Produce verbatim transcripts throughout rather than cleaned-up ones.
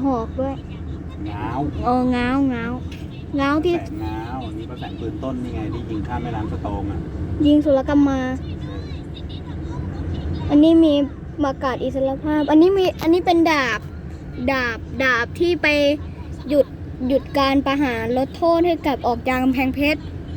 หอกด้วยง้าวเออง้าวง้าวง้าวที่แสงง้าวอันนี้ก็แสงปืนต้นนี่ไงที่ยิงข้ามแม่น้ำสะโตงอ่ะยิงสุลกรรมมา อันนี้มีประกาศอิสรภาพ อันนี้มีอันนี้เป็นดาบ ดาบดาบที่ไปหยุดหยุดการประหารลดโทษให้กับออกจากกำแพงเพชร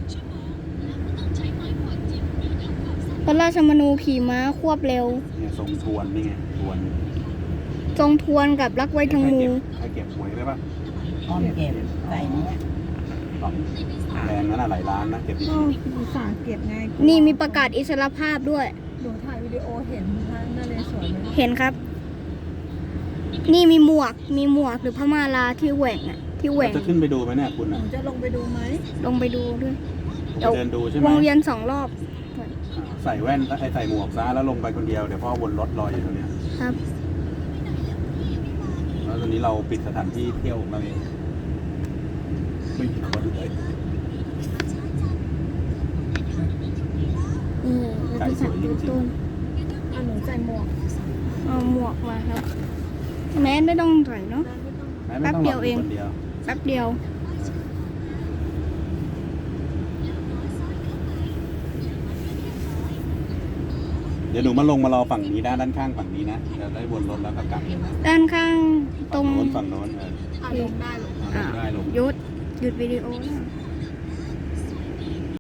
พระราชมนูขี่ม้าควบเร็วเนี่ยทรงทวนนี่ไงทวนทรงทวนกับรักไว้ทางมูใครเก็บหวยได้ปะอ้อมเก็บใส่เนี้ยของแรงนั้นอะหลายล้านนะเก็บดีอ้ออุตส่าห์เก็บไงนี่มีประกาศอิสรภาพด้วยหนูถ่ายวิดีโอเห็นพระนเรศวรไหมเห็นครับ นี่มีหมวก มีหมวกหรือพม่าลาที่แหว่งอะที่แหๆว่งจะขึ้นไปดูไหมเนี่ยคุณหนูอ่ะจะลงไปดูไหมลงไปดูด้วยผมไปเดินดูใช่ไหมวงเวียนสองรอบใส่แว่นไอ้ใส่หมวกซะแล้วลงไปคนเดียวเดี๋ยวพ่อวนรถรออยู่ตรงเนี้ยครับแล้วตอนนี้เราปิดสถานที่เที่ยวของเราเองไม่มีคนเลยนี่เราจะสั่งดูต้นอ่ะหนูใส่หมวกเอาหมวกมาครับ แม้ไม่ต้องใส่เนาะได้ไม่ต้องแม้ไม่ต้องแป๊บเดียวเองรคนเดียวแป๊บเดียวเดี๋ยวหนูมาลงมารอฝั่งนี้ด้านด้านข้างฝั่งนี้นะเดี๋ยวได้วนรถแล้วก็กลับเลยนะด้านข้างตรฝั่งงโน้นฝั่งโน้นเอออ่ะลงได้หรอลงได้ลงหยุดหยุดวิดีโอนะ